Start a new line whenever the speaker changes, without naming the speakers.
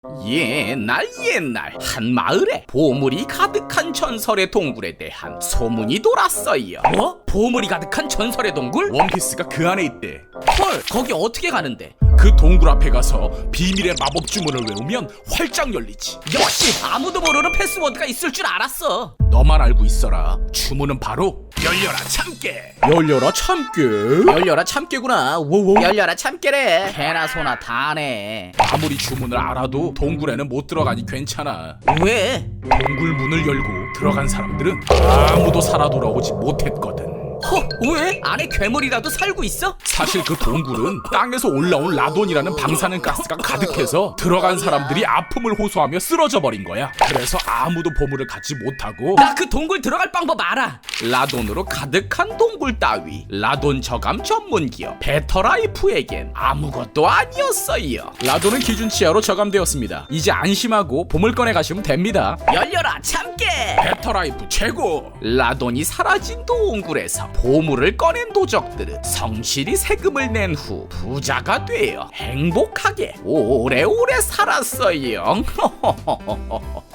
옛날 한 마을에 보물이 가득한 전설의 동굴에 대한 소문이 돌았어요. 뭐? 보물이 가득한 전설의 동굴?
원피스가 그 안에 있대.
헐, 거기 어떻게 가는데?
그 동굴 앞에 가서 비밀의 마법 주문을 외우면 활짝 열리지.
역시 아무도 모르는 패스워드가 있을 줄 알았어.
너만 알고 있어라. 주문은 바로 열려라 참깨.
열려라 참깨? 열려라 참깨구나. 워워. 열려라 참깨래. 개나 소나 다네.
아무리 주문을 알아도 동굴에는 못 들어가니 괜찮아.
왜?
동굴 문을 열고 들어간 사람들은 아무도 살아 돌아오지 못했거든.
왜? 안에 괴물이라도 살고 있어?
사실 그 동굴은 땅에서 올라온 라돈이라는 방사능 가스가 가득해서 들어간 사람들이 아픔을 호소하며 쓰러져 버린 거야. 그래서 아무도 보물을 갖지 못하고.
나 그 동굴 들어갈 방법 알아. 라돈으로 가득한 동굴 따위 라돈 저감 전문 기업 베터라이프에겐 아무것도 아니었어요.
라돈은 기준치하로 저감되었습니다. 이제 안심하고 보물 꺼내 가시면 됩니다.
열려라 참깨.
베터라이프 최고.
라돈이 사라진 동굴에서 보물을 꺼낸 도적들은 성실히 세금을 낸 후 부자가 되어 행복하게 오래오래 살았어요.